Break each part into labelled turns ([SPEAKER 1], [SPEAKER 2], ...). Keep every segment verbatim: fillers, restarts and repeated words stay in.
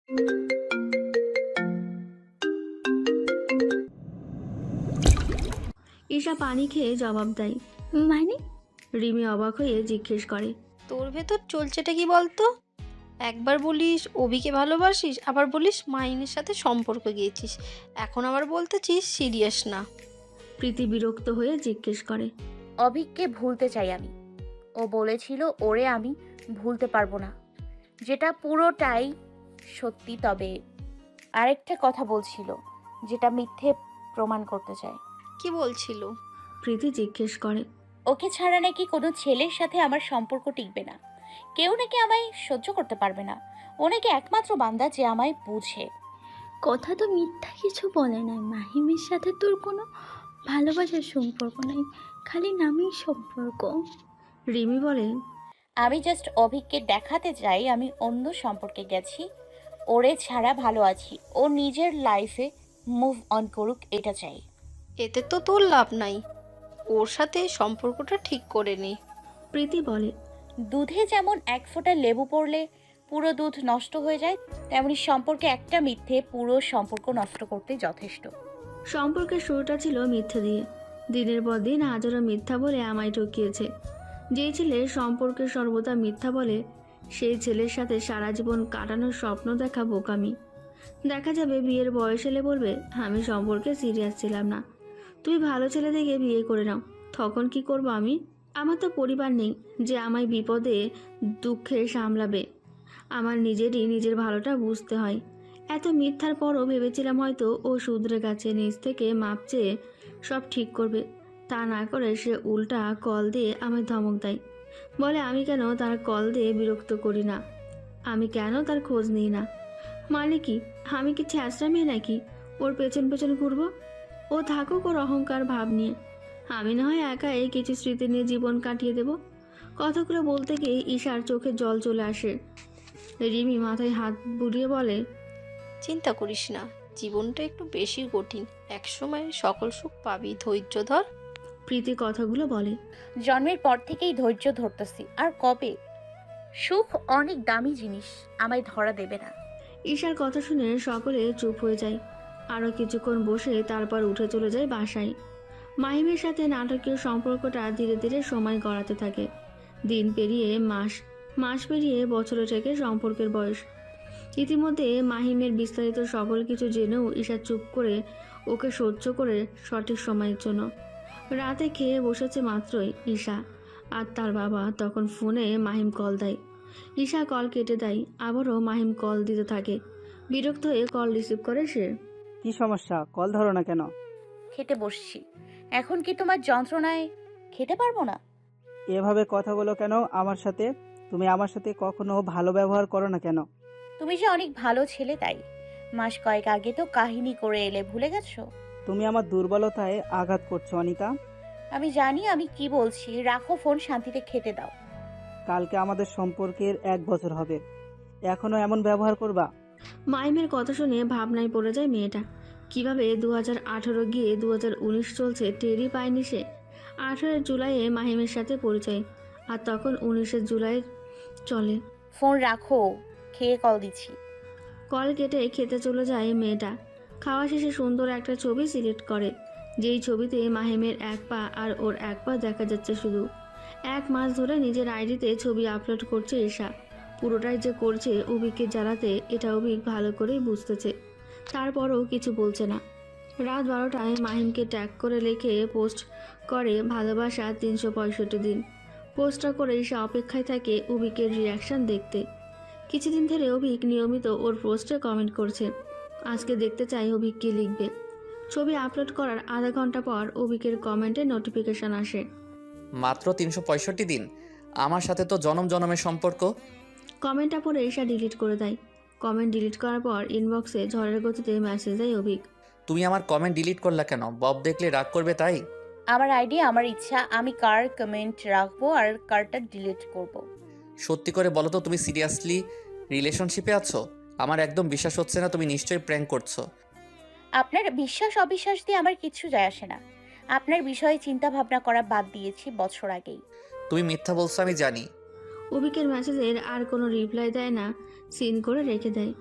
[SPEAKER 1] ঈশা পানি খেয়ে জবাব দেয়।
[SPEAKER 2] মানে?
[SPEAKER 1] রিমি অবাক হয়ে জিজ্ঞেস করে।
[SPEAKER 3] তোর ভেতর চলছেটা কি বলতো? একবার বলিস অভিকে ভালোবাসিস, আবার বলিস মাহিনের সাথে সম্পর্ক গিয়েছিস, এখন আবার বলতেছিস সিরিয়াস না।
[SPEAKER 1] প্রীতি বিরক্ত হয়ে জিজ্ঞেস করে।
[SPEAKER 2] অভিককে ভুলতে চাই আমি। ও বলেছিল ওরে আমি ভুলতে পারবো না, যেটা পুরোটাই সত্যি। তবে আরেকটা কথা বলছিল, যেটা মিথ্যে প্রমাণ করতে চায়।
[SPEAKER 3] কি বলছিল?
[SPEAKER 1] প্রীতি জিজ্ঞেস করে।
[SPEAKER 2] ওকে ছাড়া নাকি কোনো ছেলের সাথে আমার সম্পর্ক টিকবে না, কেউ নাকি আমায় সহ্য করতে পারবে না। ও নাকি একমাত্র বান্দা যে আমায় বুঝে।
[SPEAKER 4] কথা তো মিথ্যা কিছু বলে নাই। মাহিমের সাথে তোর কোনো ভালোবাসার সম্পর্ক নাই, খালি নামেই সম্পর্ক।
[SPEAKER 1] রিমি বলে।
[SPEAKER 2] আমি জাস্ট অভিককে দেখাতে চাই আমি অন্য সম্পর্কে গেছি, ওরে ছাড়া ভালো আছি। ও নিজের লাইফে মুভ অন করুক, এটা চাই।
[SPEAKER 3] এতে তো তোর লাভ নাই, ওর সাথে সম্পর্কটা ঠিক করে নে।
[SPEAKER 1] প্রীতি বলে।
[SPEAKER 2] দুধে যেমন এক ফোঁটা লেবু পড়লে পুরো দুধ নষ্ট হয়ে যায়, তেমনি সম্পর্কে একটা মিথ্যে পুরো সম্পর্ক নষ্ট করতে যথেষ্ট।
[SPEAKER 1] সম্পর্কের শুরুটা ছিল মিথ্যে দিয়ে। দিনের পর দিন হাজারো মিথ্যা বলে আমায় ঠকিয়েছে। যেই ছেলে সম্পর্কে সর্বদা মিথ্যা বলে, সেই ছেলের সাথে সারা জীবন কাটানোর স্বপ্ন দেখা বোকামি। দেখা যাবে বিয়ের বয়স এলে বলবে আমি সম্পর্কে সিরিয়াস ছিলাম না, তুই ভালো ছেলে দেখে বিয়ে করে নাও। তখন কি করব আমি? আমার তো পরিবার নেই যে আমায় বিপদে দুঃখে সামলাবে। আমার নিজেরই নিজের ভালোটা বুঝতে হয়। এত মিথ্যার পরও ভেবেছিলাম হয়তো ও শুধরে গেছে, নিজ থেকে মাপ চেয়ে সব ঠিক করবে। তা না করে সে উল্টা কল দিয়ে আমায় ধমক দেয়, বলে আমি কেন তার কল দিয়ে বিরক্ত করি না, আমি কেন তার খোঁজ নিই না। মানে কি, আমি কি ছ্যাঁচড়া মেয়ে নাকি ওর পেছন পেছন ঘুরবো? ও থাকুক ওর অহংকার ভাব নিয়ে, আমি না হয় একা এই কিছু স্মৃতি নিয়ে জীবন কাটিয়ে দেব। কথাগুলো বলতে গিয়ে ঈশার চোখে জল চলে আসে। রিমি মাথায় হাত বুলিয়ে বলে।
[SPEAKER 3] চিন্তা করিস না, জীবনটা একটু বেশি কঠিন, একসময় সকল সুখ পাবি, ধৈর্য ধর।
[SPEAKER 1] প্রীতি কথাগুলো বলে।
[SPEAKER 2] জন্মের পর থেকেই ধৈর্য ধরতেছি, আর কবে? সুখ অনেক দামি জিনিস, আমায় ধরা দেবে না।
[SPEAKER 1] ঈশার কথা শুনে সকলে চুপ হয়ে যায়। আরও কিছুক্ষণ বসে তারপর উঠে চলে যায় বাসায়। মাহিমের সাথে নাটকীয় সম্পর্কটা ধীরে ধীরে সময় গড়াতে থাকে। দিন পেরিয়ে মাস, মাস পেরিয়ে বছরে থেকে সম্পর্কের বয়স। ইতিমধ্যে মাহিমের বিস্তারিত সকল কিছু জেনেও ঈশা চুপ করে ওকে সহ্য করে সঠিক সময়ের জন্য। রাতে খেয়ে বসেছে মাত্রই ঈশা আর তার বাবা তখন ফোনে মাহিম কল দেয়। ঈশা কল কেটে দেয়, আবারও মাহিম কল দিতে থাকে। বিরক্ত হয়ে কল রিসিভ করে সে।
[SPEAKER 5] কি সমস্যা, কল ধরো না কেন?
[SPEAKER 2] খেতে বসছি। এখন কি তোমার যন্ত্রণায় খেতে পারবো না?
[SPEAKER 5] এভাবে কথা বলো কেন আমার সাথে? তুমি আমার সাথে কখনো ভালো ব্যবহার করো না কেন?
[SPEAKER 2] তুমি যে অনেক ভালো ছেলে, তাই। মাস কয়েক আগে তো কাহিনী করে এলে, ভুলে গেছো?
[SPEAKER 5] তুমি আমার দুর্বলতায় আঘাত করছো অনিতা।
[SPEAKER 2] আমি জানি আমি কি বলছি, রাখো ফোন, শান্তিতে খেতে দাও।
[SPEAKER 5] কালকে আমাদের সম্পর্কের এক বছর হবে, এখনো এমন ব্যবহার করবা?
[SPEAKER 1] মাহিমের কথা শুনে ভাবনায় পড়ে যায় মেয়েটা। কিভাবে দু হাজার আঠারো গিয়ে দু হাজার উনিশ চলছে টেরই পায়নি সে। আঠারো জুলাইয়ে মাহিমের সাথে পরিচয়, আর তখন উনিশে জুলাই চলে।
[SPEAKER 2] ফোন রাখো, খেয়ে কল দিচ্ছি।
[SPEAKER 1] কল কেটে খেতে চলে যায় মেয়েটা। খাওয়া শেষে সুন্দর একটা ছবি সিলেক্ট করে, যেই ছবিতে মাহিমের এক পা আর ওর এক পা দেখা যাচ্ছে শুধু। এক মাস ধরে নিজের আইডিতে ছবি আপলোড করছে ঈশা। পুরোটাই যে করছে অভিককে জ্বালাতে, এটা অভিক ভালো করেই বুঝতেছে। তারপরও কিছু বলছে না। রাত বারোটায় মাহিমকে ট্যাগ করে লিখে পোস্ট করে ভালোবাসা তিনশো পঁয়ষট্টি দিন। পোস্টটা করে ঈশা অপেক্ষায় থাকে অভিকের রিয়াকশান দেখতে। কিছুদিন ধরে অভিক নিয়মিত ওর পোস্টে কমেন্ট করছে। আজকে দেখতে চাই অভিক কী লিখবে। ছবি আপলোড করার আধা ঘন্টা পর অভিকের কমেন্টে নোটিফিকেশান আসে।
[SPEAKER 6] মাত্র তিনশো পঁয়ষট্টি দিন, আমার সাথে তো জনম জনমের সম্পর্ক।
[SPEAKER 1] কমেন্টটা পড়ে ঈশা ডিলিট করে দেয়। কমেন্ট ডিলিট করার পর ইনবক্সে ঝড়ের গতিতে মেসেজ দেয় অভিক।
[SPEAKER 6] তুমি আমার কমেন্ট ডিলিট করলা কেন? বব দেখলে রাগ করবে তাই?
[SPEAKER 2] আমার আইডিয়া, আমার ইচ্ছা, আমি কার কমেন্ট রাখবো আর কারটা ডিলিট করব।
[SPEAKER 6] সত্যি করে বলো তো, তুমি সিরিয়াসলি রিলেশনশিপে আছো? আমার একদম বিশ্বাস হচ্ছে না, তুমি নিশ্চয়ই প্র্যাঙ্ক করছো।
[SPEAKER 2] আপনার বিশ্বাস অবিশ্বাস দিয়ে আমার কিচ্ছু যায় আসে না। আপনার বিষয়ে চিন্তা ভাবনা করা বাদ দিয়েছি বছর আগেই।
[SPEAKER 6] তুমি মিথ্যা বলছো আমি জানি।
[SPEAKER 1] অভিকের মেসেজের আর কোনো রিপ্লাই দেয় না, সিন করে রেখে দেয়।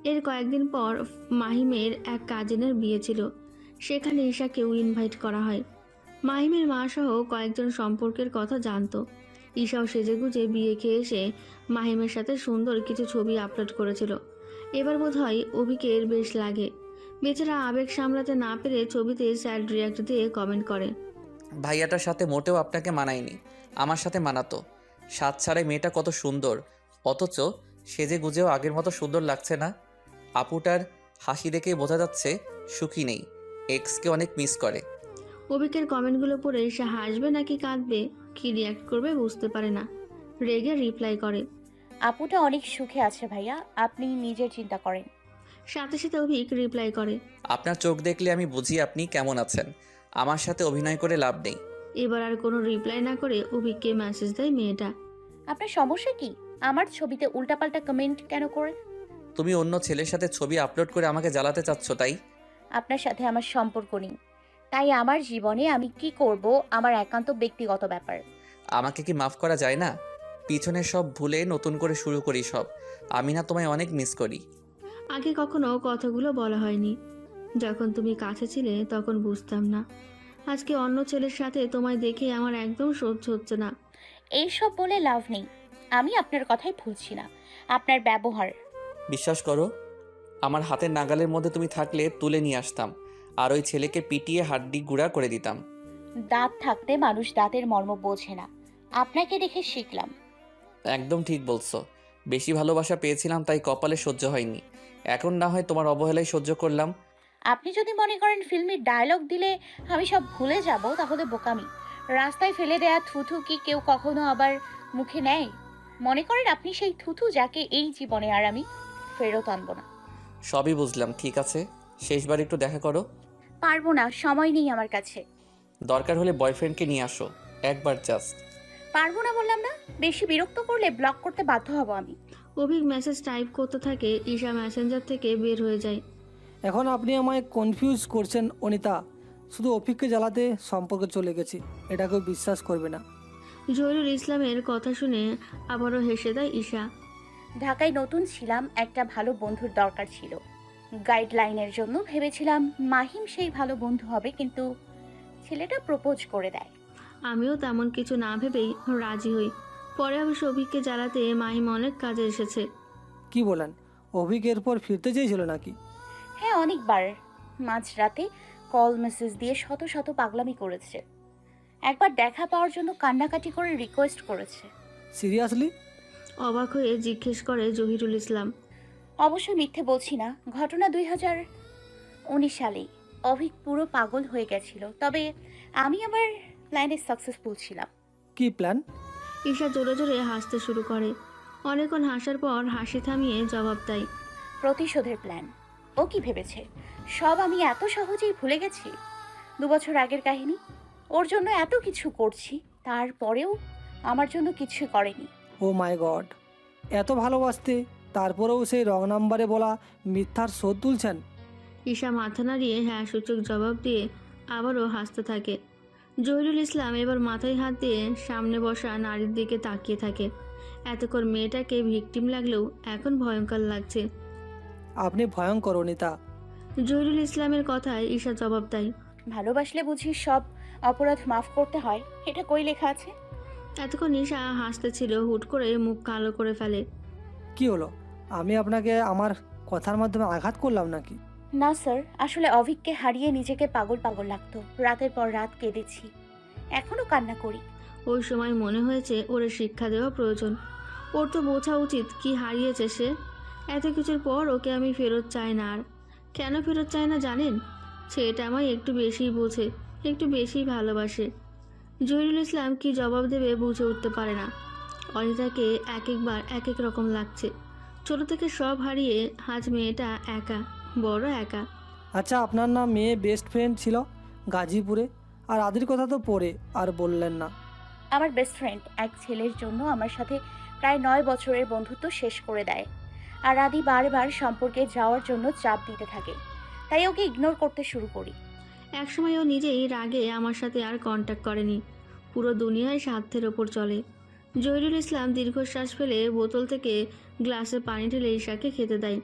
[SPEAKER 1] এর কয়েকদিন পর মাহিমের এক কাজিনের বিয়ে ছিল। সেখানে ঈশাকেও ইনভাইট করা হয়। মাহিমের মা সহ কয়েকজন সম্পর্কের কথা জানতো। ঈশাও সেজেগুজে বিয়ে খেয়ে এসে মাহিমের সাথে সুন্দর কিছু ছবি আপলোড করেছিল। এবার বোধহয় অভিকের বেশ লাগে। বেচারা আবেগ সামলাতে না পেরে ছবিতে স্যাড রিয়াক্ট দিয়ে কমেন্ট করে।
[SPEAKER 6] ভাইয়াটার সাথে মোটেও আপনাকে মানায়নি, আমার সাথে মানাতো। সাত ছাড়াই মেয়েটা কত সুন্দর, অথচ সেজে গুজেও আগের মতো সুন্দর লাগছে না। আপুটার হাসি দেখেই বোঝা যাচ্ছে সুখী নেই, এক্সকে অনেক মিস করে।
[SPEAKER 1] অভিকের কমেন্টগুলো পড়ে সে হাসবে নাকি কাঁদবে, কি রিয়াক্ট করবে বুঝতে পারে না। রেগে রিপ্লাই করে।
[SPEAKER 2] আপুটা অনেক সুখে আছে ভাইয়া, আপনি নিজের চিন্তা করেন।
[SPEAKER 1] সাথে সাথে অভিক রিপ্লাই করে।
[SPEAKER 6] আপনার চোখ দেখলে আমি বুঝি আপনি কেমন আছেন, আমার সাথে অভিনয় করে লাভ নেই।
[SPEAKER 1] এবার আর কোনো রিপ্লাই না করে অভিককে মেসেজ দেয় মেয়েটা।
[SPEAKER 2] আপনার সমস্যা কি? আমার ছবিতে উল্টাপাল্টা কমেন্ট কেন করেন?
[SPEAKER 6] তুমি অন্য ছেলের সাথে ছবি আপলোড করে আমাকে জ্বালাতে চাচ্ছ, তাই?
[SPEAKER 2] আপনার সাথে আমার সম্পর্ক নেই, তাই আমার জীবনে আমি কি করব আমার একান্ত ব্যক্তিগত ব্যাপার।
[SPEAKER 6] আমাকে কি মাফ করা যায় না? পিছনে সব ভুলে নতুন করে শুরু করি সব। আমি না তোমায় অনেক মিস করি।
[SPEAKER 1] আগে কখনো কথাগুলো বলা হয়নি। যখন তুমি কাছে ছিলে তখন বুঝতাম না। আজকে অন্য ছেলের সাথে তোমায় দেখে আমার একদম সহ্য হচ্ছে না।
[SPEAKER 2] এইসব বলে লাভ নেই, আমি আপনার কথাই ভুলছি না। আপনার ব্যবহার,
[SPEAKER 6] বিশ্বাস করো, আমার হাতের নাগালের মধ্যে তুমি থাকলে তুলে নিয়ে আসতাম, আর ওই ছেলেকে পিটিয়ে হাড্ডি গুঁড়া করে দিতাম।
[SPEAKER 2] দাঁত থাকতে মানুষ দাঁতের মর্ম বোঝে না, আপনাকে দেখে শিখলাম।
[SPEAKER 6] একদম ঠিক বলছো। বেশি ভালোবাসা পেয়েছিলাম তাই কপালে সহ্য হয়নি। এখন না হয় তোমার অবহেলায় সহ্য করলাম।
[SPEAKER 2] আপনি যদি মনে করেন ফিল্মের ডায়লগ দিলে আমি সব ভুলে যাব, তাহলে বোকামি। রাস্তায় ফেলে দেয়া থুথু কি কেউ কখনো আবার মুখে নেয়? মনে করেন আপনি সেই থুথু যাকে এই জীবনে আর আমি ফেরত আনবো না।
[SPEAKER 6] সবই বুঝলাম, ঠিক আছে, শেষবার একটু দেখা করো।
[SPEAKER 2] পারবো না, সময় নেই আমার কাছে।
[SPEAKER 6] দরকার হলে বয়ফ্রেন্ডকে নিয়ে আসো, একবার জাস্ট।
[SPEAKER 2] পারবো না বললাম না, বেশি বিরক্ত করলে ব্লক করতে বাধ্য হব আমি।
[SPEAKER 1] অভিক মেসেজ টাইপ করতে থাকে। ঈশা মেসেঞ্জার থেকে বের হয়ে যায়।
[SPEAKER 7] এখন আপনি আমায় কনফিউজ করছেন অনিতা। শুধু অফিককে জ্বালাতে সম্পর্কে চলে গেছি, এটা কেউ বিশ্বাস করবে না।
[SPEAKER 1] জহিরুল ইসলামের কথা শুনে আবারও হেসে দেয় ঈশা।
[SPEAKER 2] ঢাকায় নতুন ছিলাম, একটা ভালো বন্ধুর দরকার ছিল। গাইডলাইনের জন্য ভেবেছিলাম মাহিম সেই ভালো বন্ধু হবে, কিন্তু ছেলেটা প্রপোজ করে দেয়।
[SPEAKER 1] আমিও তেমন কিছু না ভেবেই রাজি হই। পরে অবশ্য অভিককে জ্বালাতে মাহিম অনেক কাজে এসেছে।
[SPEAKER 7] কি বলেন, অভিক এরপর ফিরতে চেয়েছিল নাকি?
[SPEAKER 2] হ্যাঁ, অনেকবার মাঝরাতে কল মেসেজ দিয়ে শত শত পাগলামি করেছে। একবার দেখা পাওয়ার জন্য কান্নাকাটি করে রিকোয়েস্ট করেছে।
[SPEAKER 7] সিরিয়াসলি?
[SPEAKER 1] অবাক হয়ে জিজ্ঞেস করে জহিরুল ইসলাম।
[SPEAKER 2] অবশ্য মিথ্যে বলছি না, ঘটনা দুই হাজার উনিশ সালেই। অভিক পুরো পাগল হয়ে গেছিল, তবে আমি আমার প্ল্যানে সাকসেসফুল ছিলাম।
[SPEAKER 7] কি প্ল্যান?
[SPEAKER 1] ঈশা জোরে জোরে হাসতে শুরু করে। অনেকক্ষণ হাসার পর হাসি থামিয়ে জবাব দেয়।
[SPEAKER 2] প্রতিশোধের প্ল্যান। ও কি ভেবেছে সব আমি এত সহজেই ভুলে গেছি? দু বছর আগের কাহিনী। ওর জন্য এত কিছু করছি, তারপরেও আমার জন্য কিছুই করেনি।
[SPEAKER 7] ও মাই গড, এত ভালোবাসতে তারপরেও সেই রং নাম্বারে বলা মিথ্যার শোধ তুলছেন?
[SPEAKER 1] ঈশা মাথা নাড়িয়ে হ্যাঁ সূচক জবাব দিয়ে আবারও হাসতে থাকে। জহিরুল ইসলাম এবার মাথায় হাত দিয়ে সামনে বসা নারীর দিকে তাকিয়ে থাকে। এতক্ষণ মেয়েটাকে ভিকটিম লাগলেও এখন ভয়ঙ্কর লাগছে।
[SPEAKER 7] আপনি ভয়ঙ্কর অনিতা।
[SPEAKER 1] জহিরুল ইসলামের কথায় ঈশা জবাব দেয়।
[SPEAKER 2] ভালোবাসলে বুঝি সব অপরাধ মাফ করতে হয়? এটা কই লেখা আছে?
[SPEAKER 1] এতক্ষণ ঈশা হাসতেছিল, হুট করে মুখ কালো করে ফেলে।
[SPEAKER 7] কি হলো, আমি আপনাকে আমার কথার মাধ্যমে আঘাত করলাম নাকি?
[SPEAKER 2] না স্যার, আসলে অভিককে হারিয়ে নিজেকে পাগল পাগল লাগতো। রাতের পর রাত কেঁদেছি, এখনো কান্না করি।
[SPEAKER 1] ওই সময় মনে হয়েছে ওর শিক্ষা দেওয়া প্রয়োজন। ওর তো বোঝা উচিত কি হারিয়েছে সে। এত কিছুর পর ওকে আমি ফেরত চাই না। আর কেন ফেরত চাই না জানেন? সেটা আমায় একটু বেশিই বোঝে, একটু বেশিই ভালোবাসে। জহিরুল ইসলাম কি জবাব দেবে বুঝে উঠতে পারে না। অনিতাকে এক একবার এক এক রকম লাগছে। ছোট থেকে সব হারিয়ে আজ মেয়েটা একা, বড় একা।
[SPEAKER 7] আচ্ছা, আপনার নাম মেয়ে বেস্ট ফ্রেন্ড ছিল গাজীপুরে, আর আদির কথা তো পরে আর বললেন না।
[SPEAKER 2] আমার বেস্ট ফ্রেন্ড এক ছেলের জন্য আমার সাথে প্রায় নয় বছরের বন্ধুত্ব শেষ করে দেয়, আর আদি বারবার সম্পর্কে যাওয়ার জন্য চাপ দিতে থাকে, তাই ওকে ইগনোর করতে শুরু করি।
[SPEAKER 1] একসময় ও নিজেই রাগে আমার সাথে আর কন্ট্যাক্ট করেনি। পুরো দুনিয়ায় স্বার্থের ওপর চলে। জহিরুল ইসলাম দীর্ঘশ্বাস ফেলে বোতল থেকে গ্লাসে পানি ঢেলে ঈশাকে খেতে দেয়।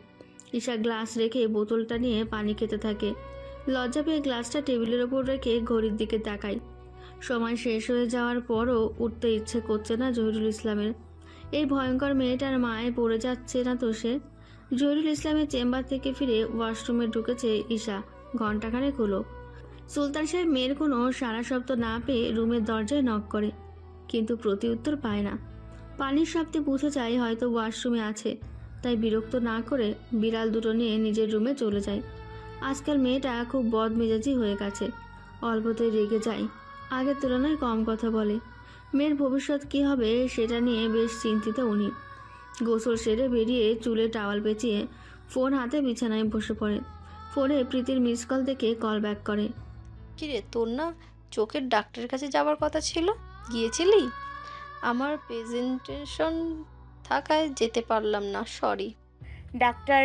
[SPEAKER 1] ঈশা গ্লাস রেখে বোতলটা নিয়ে পানি খেতে থাকে। লজ্জা পেয়ে গ্লাসটা টেবিলের ওপর রেখে ঘড়ির দিকে তাকায়। সময় শেষ হয়ে যাওয়ার পরও উঠতে ইচ্ছে করছে না জহিরুল ইসলামের। এই ভয়ঙ্কর মেয়েটার মায়ে পড়ে যাচ্ছে না তো সে। জহিরুল ইসলামের চেম্বার থেকে ফিরে ওয়াশরুমে ঢুকেছে ঈশা। ঘণ্টাখানেক হলো। সুলতান সাহেব মেয়ের কোনো সারা শব্দ না পেয়ে রুমের দরজায় নক করে, কিন্তু প্রতি উত্তর পায় না। পানির শব্দে বুঝে যায় হয়তো ওয়াশরুমে আছে, তাই বিরক্ত না করে বিড়াল দুটো নিয়ে নিজের রুমে চলে যায়। আজকাল মেয়েটা খুব বদমেজাজি হয়ে গেছে, অল্পতেই রেগে যায়, আগের তুলনায় কম কথা বলে। মেয়ের ভবিষ্যৎ কী হবে সেটা নিয়ে বেশ চিন্তিত উনি। গোসল সেরে বেরিয়ে চুলে টাওয়াল পেঁচিয়ে ফোন হাতে বিছানায় বসে পড়ে। ফোনে প্রীতির মিস কল দেখে কল ব্যাক করে।
[SPEAKER 3] কিরে, তোর না চোখের ডাক্তারের কাছে যাওয়ার কথা ছিল, গিয়েছিলি? আমার প্রেজেন্টেশন থাকায় যেতে পারলাম না, সরি।
[SPEAKER 2] ডাক্তার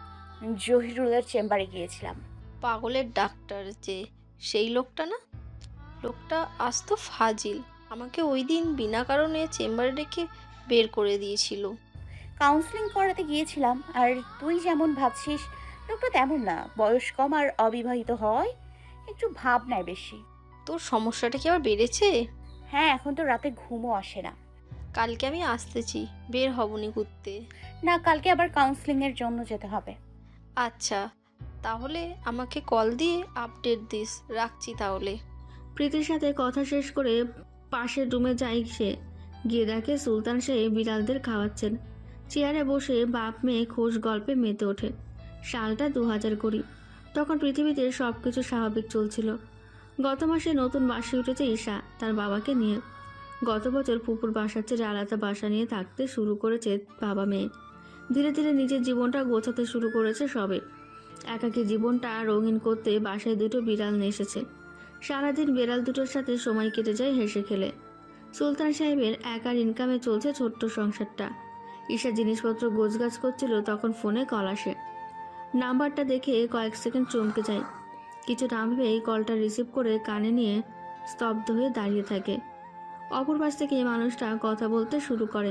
[SPEAKER 2] জহিরুলের চেম্বারে গিয়েছিলাম।
[SPEAKER 3] পাগলের ডাক্তার যে, সেই লোকটা না? লোকটা আস্ত ফাজিল, আমাকে ওই দিন বিনা কারণে চেম্বারে রেখে বের করে দিয়েছিল।
[SPEAKER 2] কাউন্সিলিং করাতে গিয়েছিলাম। আর তুই যেমন ভাবছিস লোকটা তেমন না, বয়স কম আর অবিবাহিত হয়, একটু ভাব নেয় বেশি।
[SPEAKER 3] তোর সমস্যাটা কি আবার বেড়েছে?
[SPEAKER 2] হ্যাঁ, এখন তো রাতে ঘুমও আসে না।
[SPEAKER 3] কালকে আমি আসতেছি, বের হবনি ঘুরতে।
[SPEAKER 2] না, কালকে আবার কাউন্সিলিংয়ের জন্য যেতে হবে।
[SPEAKER 3] আচ্ছা, তাহলে আমাকে কল দিয়ে আপডেট দিস, রাখছি তাহলে।
[SPEAKER 1] প্রীতির সাথে কথা শেষ করে পাশের রুমে যায় সে। গিয়ে দেখে সুলতান সাহেব বিড়ালদের খাওয়াচ্ছেন। চেয়ারে বসে বাপ মেয়ে খোশ গল্পে মেতে ওঠে। সালটা দু হাজার কুড়ি। তখন পৃথিবীতে সব কিছু স্বাভাবিক চলছিল। গত মাসে নতুন বাসে উঠেছে ঈশা তার বাবাকে নিয়ে। গত বছর পুকুর বাসার চেয়ে আলাদা বাসা নিয়ে থাকতে শুরু করেছে বাবা মেয়ে। ধীরে ধীরে নিজের জীবনটা গোছাতে শুরু করেছে সবে। একাকী জীবনটা রঙিন করতে বাসায় দুটো বিড়াল নিয়ে এসেছে। সারাদিন বিড়াল দুটোর সাথে সময় কেটে যায় হেসে খেলে। সুলতান সাহেবের একার ইনকামে চলছে ছোট্ট সংসারটা। ঈশা জিনিসপত্র গোছগাছ করছিল, তখন ফোনে কল আসে। নাম্বারটা দেখে কয়েক সেকেন্ড চমকে যায়। কিছু না ভেবেই কলটা রিসিভ করে কানে নিয়ে স্তব্ধ হয়ে দাঁড়িয়ে থাকে। অপর পাশ থেকে এই মানুষটা কথা বলতে শুরু করে।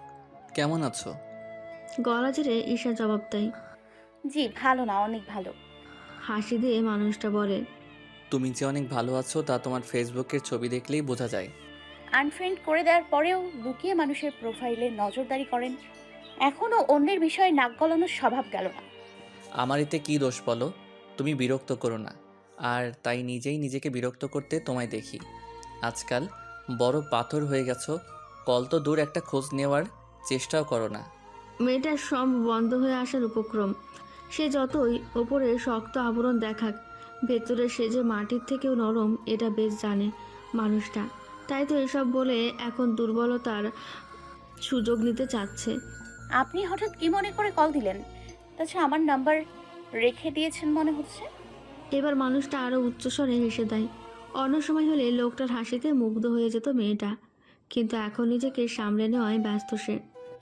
[SPEAKER 6] কেমন আছো?
[SPEAKER 1] গলা ঝেড়ে ঈশা জবাব দেয়।
[SPEAKER 2] জি ভালো না, অনেক ভালো।
[SPEAKER 1] হাসি দিয়ে মানুষটা বলে,
[SPEAKER 6] তুমি যে অনেক ভালো আছো তা তোমার ফেসবুকের ছবি দেখলেই বোঝা যায়।
[SPEAKER 2] আনফ্রেন্ড করে দেওয়ার পরেও লুকিয়ে মানুষের প্রোফাইলে নজরদারি করেন। এখনও অন্যের বিষয়ে নাক গলানোর স্বভাব গেল না।
[SPEAKER 6] আমার এতে কী দোষ বলো? তুমি বিরক্ত করো না, আর তাই নিজেই নিজেকে বিরক্ত করতে তোমায় দেখি। আজকাল বড় পাথর হয়ে গেছো, কল তো দূর, একটা খোঁজ নেওয়ার চেষ্টাও করো না।
[SPEAKER 1] মেয়েটার সব বন্ধ হয়ে আসার উপক্রম। সে যতই ওপরে শক্ত আবরণ দেখাক, ভেতরে সে যে মাটির থেকেও নরম এটা বেশ জানে মানুষটা। তাই তো এসব বলে এখন দুর্বলতার সুযোগ নিতে চাচ্ছে।
[SPEAKER 2] আপনি হঠাৎ কি মনে করে কল দিলেন? তাছাড়া আমার নাম্বার রেখে দিয়েছেন মনে হচ্ছে।
[SPEAKER 1] এবার মানুষটা আরও উচ্চস্বরে হেসে দেয়। অন্য সময় হলে লোকটার হাসিতে মুগ্ধ হয়ে যেত মেয়েটা, কিন্তু এখন নিজেকে সামলে নেওয়ায় ব্যস্ত সে।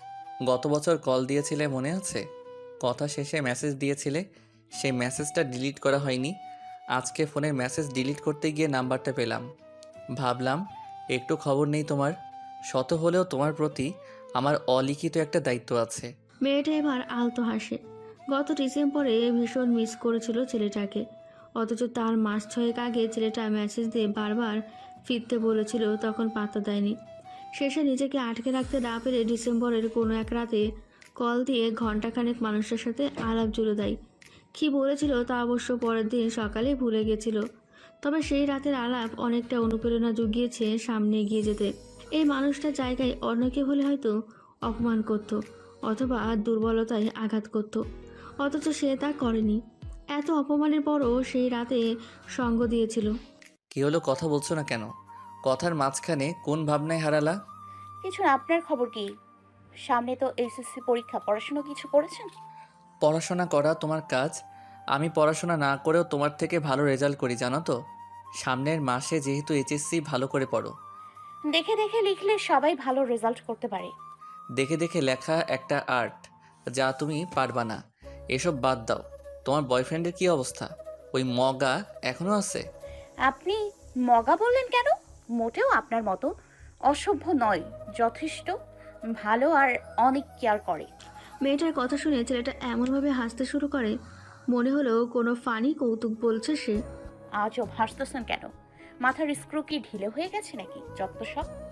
[SPEAKER 6] গত বছর কল দিয়েছিলে মনে আছে? কথা শেষে মেসেজ দিয়েছিলে, সেই মেসেজটা ডিলিট করা হয়নি। আজকে ফোনের মেসেজ ডিলিট করতে গিয়ে নাম্বারটা পেলাম। ভাবলাম একটু খবর নেই তোমার। শত হলেও তোমার প্রতি আমার অলিখিত একটা দায়িত্ব আছে।
[SPEAKER 1] মেয়েটা এবার আলতো হাসে। গত ডিসেম্বরে ভীষণ মিস করেছিল ছেলেটাকে, অথচ তার মাস ছয়েক আগে ছেলেটা মেসেজ দিয়ে বারবার ফিরতে বলেছিল, তখন পাত্তা দেয়নি। শেষে নিজেকে আটকে রাখতে না পেরে ডিসেম্বরের কোনো এক রাতে কল দিয়ে ঘণ্টাখানেক মানুষের সাথে আলাপ জুড়ে দেয়। কী বলেছিল তা অবশ্য পরের দিন সকালেই ভুলে গেছিল, তবে সেই রাতের আলাপ অনেকটা অনুপ্রেরণা জুগিয়েছে সামনে এগিয়ে যেতে। এই মানুষটার জায়গায় অন্য কেউ হলে হয়তো অপমান করত অথবা দুর্বলতায় আঘাত করত, অথচ সে তা করেনি। এত অপমানের পরও সেই রাতে সঙ্গ দিয়েছিল।
[SPEAKER 6] কি হলো, কথা বলছো না কেন? কথার মাঝখানে কোন ভাবনায় হারালা?
[SPEAKER 2] কিছু না, আপনার খবর কি? সামনে তো এসএসসি পরীক্ষা, পড়াশোনা কিছু করেছেন?
[SPEAKER 6] পড়াশোনা করা তোমার কাজ। আমি পড়াশোনা না করেও তোমার থেকে ভালো রেজাল্ট করি জানো তো। সামনের মাসে যেহেতু এইচএসসি, ভালো করে পড়ো।
[SPEAKER 2] দেখে দেখে লিখলে সবাই ভালো রেজাল্ট করতে পারে।
[SPEAKER 6] দেখে দেখে লেখা একটা আর্ট, যা তুমি পারবা না। এসব বাদ দাও। তোমার বয়ফ্রেন্ডের কি অবস্থা? ওই মগা এখনো আছে?
[SPEAKER 2] আপনি মগা বললেন কেন? মোটেও আপনার মতো অসভ্য নয়, যথেষ্ট ভালো আর অনেক কেয়ার করে।
[SPEAKER 1] মেয়েটার কথা শুনে ছেলেটা এমনভাবে হাসতে শুরু করে, মনে হলো কোনো ফানি কৌতুক বলছে সে।
[SPEAKER 2] আজব হাসতেছেন কেন? মাথার স্ক্রু কি ঢিলে হয়ে গেছে নাকি? যত সব।